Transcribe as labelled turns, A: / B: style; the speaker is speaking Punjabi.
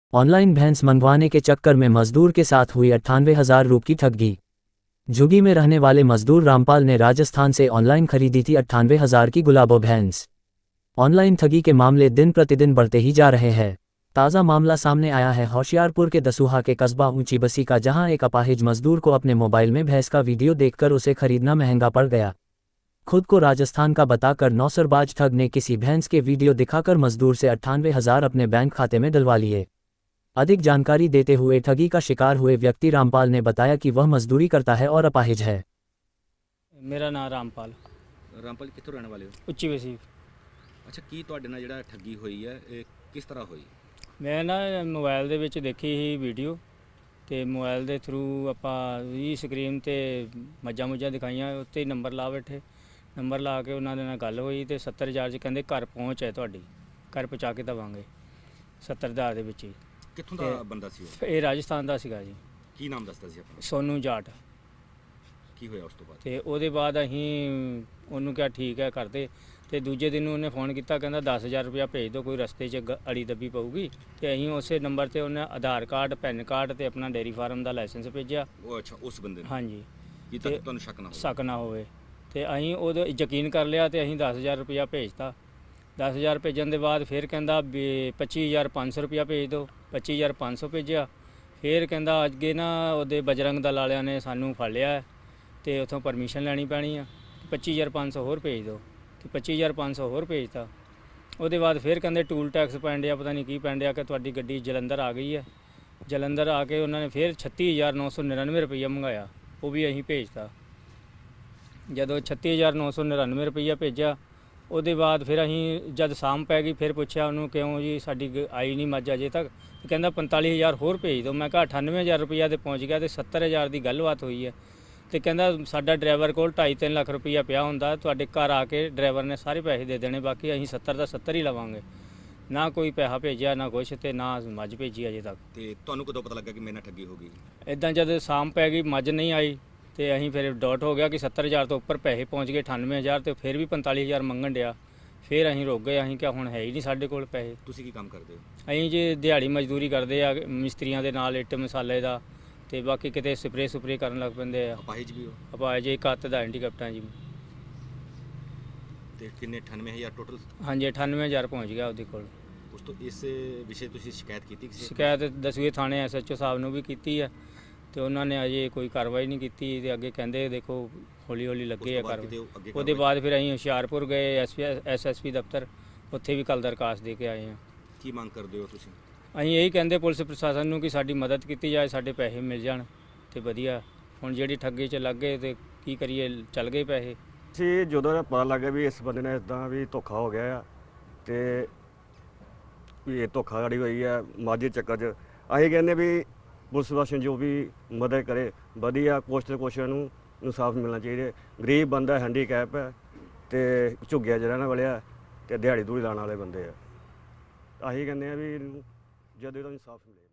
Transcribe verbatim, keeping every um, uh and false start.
A: ऑनलाइन भैंस मंगवाने के चक्कर में मजदूर के साथ हुई अट्ठानवे हजार रुपये की ठगी। झुग्गी में रहने वाले मजदूर रामपाल ने राजस्थान से ऑनलाइन खरीदी थी अट्ठानवे हजार की गुलाबो भैंस। ऑनलाइन ठगी के मामले दिन प्रतिदिन बढ़ते ही जा रहे हैं। ताज़ा मामला सामने आया है होशियारपुर के दसूहा के कस्बा ऊंची बसी का, जहां एक अपाहिज मजदूर को अपने मोबाइल में भैंस का वीडियो देखकर उसे खरीदना महंगा पड़ गया। खुद को राजस्थान का बताकर नौसरबाज ठग ने किसी भैंस के वीडियो दिखाकर मजदूर से अट्ठानवे हजार अपने बैंक खाते में डलवा लिए। अधिक जानकारी देते हुए ठगी का शिकार हुए व्यक्ति रामपाल ने बताया कि वह मजदूरी करता है और अपाहिज है।
B: मेरा नाम रामपाल।
C: रामपाल कित्थों रहने वाले हो?
B: ਉੱਚੀ ਵਸੀ।
C: ਅੱਛਾ, ਕੀ ਤੁਹਾਡੇ ਨਾਲ ਜਿਹੜਾ ਠੱਗੀ ਹੋਈ ਹੈ ਇਹ ਕਿਸ ਤਰ੍ਹਾਂ ਹੋਈ?
B: ਮੈਂ ਨਾ ਮੋਬਾਈਲ ਦੇ ਵਿੱਚ ਦੇਖੀ ਸੀ ਵੀਡੀਓ, ਤੇ ਮੋਬਾਈਲ ਦੇ ਥਰੂ ਆਪਾਂ ਵੀ ਸਕਰੀਨ ਤੇ ਮੱਝਾਂ ਮੁੱਝਾਂ ਦਿਖਾਈਆਂ, ਉੱਤੇ ਨੰਬਰ ਲਾ ਬੈਠੇ। ਨੰਬਰ ਲਾ ਕੇ ਉਹਨਾਂ ਦੇ ਨਾਲ ਗੱਲ ਹੋਈ ਤੇ ਸੱਤਰ ਹਜ਼ਾਰ 'ਚ ਕਹਿੰਦੇ ਘਰ ਪਹੁੰਚ ਹੈ ਤੁਹਾਡੀ, ਘਰ ਪਹੁੰਚਾ ਕੇ ਦੇਵਾਂਗੇ ਸੱਤਰ ਹਜ਼ਾਰ ਦੇ ਵਿੱਚ ਹੀ।
C: ਕਿੱਥੋਂ ਦਾ ਬੰਦਾ ਸੀ ਉਹ?
B: ਇਹ ਰਾਜਸਥਾਨ ਦਾ ਸੀਗਾ ਜੀ।
C: ਕੀ ਨਾਮ ਦੱਸਦਾ ਸੀ ਆਪਣਾ?
B: ਸੋਨੂ ਜਾਟ।
C: ਕੀ ਹੋਇਆ ਉਸ ਤੋਂ ਬਾਅਦ?
B: ਤੇ ਉਹਦੇ ਬਾਅਦ ਅਸੀਂ ਉਹਨੂੰ ਕਿਹਾ ਠੀਕ ਹੈ ਕਰਦੇ, ਤੇ ਦੂਜੇ ਦਿਨ ਉਹਨੇ ਫੋਨ ਕੀਤਾ, ਕਹਿੰਦਾ ਦਸ ਹਜ਼ਾਰ ਰੁਪਇਆ ਭੇਜ ਦਿਓ, ਕੋਈ ਰਸਤੇ 'ਚ ਗ- ਅੜੀ ਦੱਬੀ ਪਊਗੀ। ਤੇ ਅਸੀਂ ਉਸੇ ਨੰਬਰ ਤੇ ਉਹਨੇ ਆਧਾਰ ਕਾਰਡ, ਪੈਨ ਕਾਰਡ ਤੇ ਆਪਣਾ ਡੇਅਰੀ ਫਾਰਮ ਦਾ ਲਾਇਸੈਂਸ ਭੇਜਿਆ।
C: ਉਹ ਅੱਛਾ, ਉਸ ਬੰਦੇ ਨੂੰ
B: ਹਾਂਜੀ,
C: ਕੀ
B: ਤੇ-
C: ਤੱਕ ਤੁਹਾਨੂੰ ਸ਼ੱਕ ਨਾ ਹੋਵੇ?
B: ਸ਼ੱਕ ਨਾ ਹੋਵੇ। ਤੇ ਅਸੀਂ ਉਹਦੇ ਯਕੀਨ ਕਰ ਲਿਆ ਤੇ ਅਸੀਂ ਦਸ ਹਜ਼ਾਰ ਰੁਪਇਆ ਭੇਜਤਾ। ਦਸ ਹਜ਼ਾਰ ਭੇਜਣ ਦੇ ਬਾਅਦ ਫਿਰ ਕਹਿੰਦਾ ਵੀ ਪੱਚੀ ਹਜ਼ਾਰ ਪੰਜ ਸੌ ਰੁਪਇਆ ਭੇਜ ਦਿਓ। ਪੱਚੀ ਹਜ਼ਾਰ ਪੰਜ ਸੌ ਭੇਜਿਆ। ਫਿਰ ਕਹਿੰਦਾ ਅੱਗੇ ਨਾ ਉਹਦੇ ਬਜਰੰਗ ਦਲ ਵਾਲਿਆਂ ਨੇ ਸਾਨੂੰ ਫੜ ਲਿਆ ਹੈ ਤੇ ਉੱਥੋਂ ਪਰਮਿਸ਼ਨ ਲੈਣੀ ਪੈਣੀ ਆ, ਪੱਚੀ ਹਜ਼ਾਰ ਪੰਜ ਸੌ ਹੋਰ ਭੇਜ ਦਿਓ। ਤੇ ਪੱਚੀ ਹਜ਼ਾਰ ਪੰਜ ਸੌ ਹੋਰ ਭੇਜਤਾ। ਉਹਦੇ ਬਾਅਦ ਫਿਰ ਕਹਿੰਦੇ ਟੂਲ ਟੈਕਸ ਪੈਣ ਡਿਆ, ਪਤਾ ਨਹੀਂ ਕੀ ਪੈਣ ਡਿਆ, ਕਿ ਤੁਹਾਡੀ ਗੱਡੀ ਜਲੰਧਰ ਆ ਗਈ ਹੈ। ਜਲੰਧਰ ਆ ਕੇ ਉਹਨਾਂ ਨੇ ਫਿਰ ਛੱਤੀ ਹਜ਼ਾਰ ਨੌ ਸੌ ਨੜਿਨਵੇਂ ਰੁਪਈਆ ਮੰਗਾਇਆ, ਉਹ ਵੀ ਅਸੀਂ ਭੇਜਤਾ। ਜਦੋਂ ਛੱਤੀ ਹਜ਼ਾਰ ਨੌ ਸੌ ਨੜਿਨਵੇਂ ਰੁਪਈਆ ਭੇਜਿਆ, ਉਹਦੇ ਬਾਅਦ ਫਿਰ ਅਸੀਂ ਜਦ ਸ਼ਾਮ ਪੈ ਗਈ ਫਿਰ ਪੁੱਛਿਆ ਉਹਨੂੰ, ਕਿਉਂ ਜੀ ਸਾਡੀ ਗ- ਆਈ ਨਹੀਂ ਮੱਝ ਅਜੇ ਤੱਕ? ਤੇ ਕਹਿੰਦਾ ਪੰਤਾਲੀ ਹਜ਼ਾਰ ਹੋਰ ਭੇਜ ਦਿਓ। ਮੈਂ ਕਿਹਾ ਅਠਾਨਵੇਂ ਹਜ਼ਾਰ ਰੁਪਈਆ ਤੇ ਪਹੁੰਚ ਗਿਆ ਤੇ ਸੱਤਰ ਹਜ਼ਾਰ ਦੀ ਗੱਲਬਾਤ ਹੋਈ ਹੈ। ਤੇ ਕਹਿੰਦਾ ਸਾਡਾ ਡਰਾਈਵਰ ਕੋਲ ਢਾਈ ਤਿੰਨ ਲੱਖ ਰੁਪਈਆ ਪਿਆ ਹੁੰਦਾ, ਤੁਹਾਡੇ ਘਰ ਆ ਕੇ ਡਰਾਈਵਰ ਨੇ ਸਾਰੇ ਪੈਸੇ ਦੇ ਦੇਣੇ, ਬਾਕੀ ਅਸੀਂ ਸੱਤਰ ਦਾ ਸੱਤਰ ਹੀ ਲਵਾਂਗੇ। ਨਾ ਕੋਈ ਪੈਸਾ ਭੇਜਿਆ, ਨਾ ਕੁਛ, ਤੇ ਨਾ ਮੱਝ ਭੇਜੀ ਅਜੇ ਤੱਕ।
C: ਤੇ ਤੁਹਾਨੂੰ ਕਦੋਂ ਪਤਾ ਲੱਗਾ ਕਿ ਮੇਰੇ ਨਾਲ ਠੱਗੀ ਹੋ ਗਈ?
B: ਇਦਾਂ ਜਦ ਸ਼ਾਮ ਪੈ ਗਈ ਮੱਝ ਨਹੀਂ ਆਈ ਤੇ ਅਸੀਂ ਫਿਰ ਡਾਟ ਹੋ ਗਿਆ ਕਿ ਸੱਤਰ ਹਜ਼ਾਰ ਤੋਂ ਉੱਪਰ ਪੈਸੇ ਪਹੁੰਚ ਗਏ, ਅਠਾਨਵੇਂ ਹਜ਼ਾਰ, ਤੇ ਫਿਰ ਵੀ ਪੰਤਾਲੀ ਹਜ਼ਾਰ ਮੰਗਣ ਡਿਆ। ਫਿਰ ਅਸੀਂ ਰੁਕ ਗਏ। ਅਸੀਂ ਕਿਹਾ ਹੁਣ ਹੈ ਹੀ ਨਹੀਂ ਸਾਡੇ ਕੋਲ ਪੈਸੇ।
C: ਤੁਸੀਂ ਕੀ ਕੰਮ ਕਰਦੇ ਹੋ?
B: ਅਸੀਂ ਜੀ ਦਿਹਾੜੀ ਮਜ਼ਦੂਰੀ ਕਰਦੇ ਆ ਮਿਸਤਰੀਆਂ ਦੇ ਨਾਲ, ਇੱਟ ਮਸਾਲੇ ਦਾ, ਤੇ ਬਾਕੀ ਕਿਤੇ ਸਪਰੇ ਸੁਪਰੇ ਕਰਨ ਲੱਗ ਪੈਂਦੇ ਆ।
C: ਅਪਾਹਿਜ ਵੀ ਹੋ?
B: ਆਪਾਂ ਜੇ ਇੱਕ ਹੱਥ ਦਾ ਹੈਂਡੀਕੈਪਟਾਂ ਜੀ।
C: ਤੇ ਕਿੰਨੇ ਅਠਾਨਵੇਂ ਹਜ਼ਾਰ ਟੋਟਲ?
B: ਹਾਂਜੀ, ਅਠਾਨਵੇਂ ਹਜ਼ਾਰ ਪਹੁੰਚ ਗਿਆ ਉਹਦੇ ਕੋਲ।
C: ਉਸ ਤੋਂ ਇਸ ਵਿਸ਼ੇ ਤੁਸੀਂ ਸ਼ਿਕਾਇਤ ਕੀਤੀ ਕਿਸੇ?
B: ਸ਼ਿਕਾਇਤ ਦਸਵੇਂ ਥਾਣੇ ਐਸ ਐਚ ਓ ਸਾਹਿਬ ਨੂੰ ਵੀ ਕੀਤੀ ਹੈ, ਤੇ ਉਹਨਾਂ ਨੇ ਅਜੇ ਕੋਈ ਕਾਰਵਾਈ ਨਹੀਂ ਕੀਤੀ। ਤੇ ਅੱਗੇ ਕਹਿੰਦੇ ਦੇਖੋ ਹੌਲੀ ਹੌਲੀ ਲੱਗੇ ਆ ਕਾਰਵਾਈ। ਉਹਦੇ ਬਾਅਦ ਫਿਰ ਅਸੀਂ ਹੁਸ਼ਿਆਰਪੁਰ ਗਏ ਐਸ ਐਸ ਐਸ ਪੀ ਦਫ਼ਤਰ, ਉੱਥੇ ਵੀ ਕੱਲ੍ਹ ਦਰਖਾਸਤ ਦੇ ਕੇ ਆਏ ਹਾਂ।
C: ਕੀ ਮੰਗ ਕਰਦੇ ਹੋ ਤੁਸੀਂ?
B: ਅਸੀਂ ਇਹੀ ਕਹਿੰਦੇ ਪੁਲਿਸ ਪ੍ਰਸ਼ਾਸਨ ਨੂੰ ਕਿ ਸਾਡੀ ਮਦਦ ਕੀਤੀ ਜਾਏ, ਸਾਡੇ ਪੈਸੇ ਮਿਲ ਜਾਣ ਤੇ ਵਧੀਆ। ਹੁਣ ਜਿਹੜੀ ਠੱਗੀ 'ਚ ਲੱਗ ਗਏ ਤੇ ਕੀ ਕਰੀਏ, ਚੱਲ ਗਏ ਪੈਸੇ।
D: ਸੀ ਜਦੋਂ ਇਹ ਪਤਾ ਲੱਗਾ ਵੀ ਇਸ ਬੰਦੇ ਨੇ ਇਦਾਂ ਵੀ ਧੋਖਾ ਹੋ ਗਿਆ ਆ, ਤੇ ਵੀ ਇਹ ਧੋਖਾਧੜੀ ਹੋਈ ਆ ਮਾਝੇ ਚੱਕਰ 'ਚ, ਅਸੀਂ ਕਹਿੰਦੇ ਵੀ ਪੁਲਿਸ ਪ੍ਰਸ਼ਾਸਨ ਜੋ ਵੀ ਮਦਦ ਕਰੇ ਵਧੀਆ, ਕੁਛ ਤੇ ਕੁਛ ਨੂੰ ਇਨਸਾਫ ਮਿਲਣਾ ਚਾਹੀਦਾ। ਗਰੀਬ ਬੰਦਾ, ਹੈਂਡੀਕੈਪ ਹੈ, ਤੇ ਝੁੱਗਿਆ 'ਚ ਰਹਿਣ ਵਾਲੇ ਆ, ਤੇ ਦਿਹਾੜੀ ਦੂੜੀ ਲਾਉਣ ਵਾਲੇ ਬੰਦੇ ਆ। ਅਸੀਂ ਕਹਿੰਦੇ ਆ ਵੀ ਇਹਨੂੰ ਜਦੋਂ ਇਹਦਾ ਇਨਸਾਫ ਮਿਲੇ।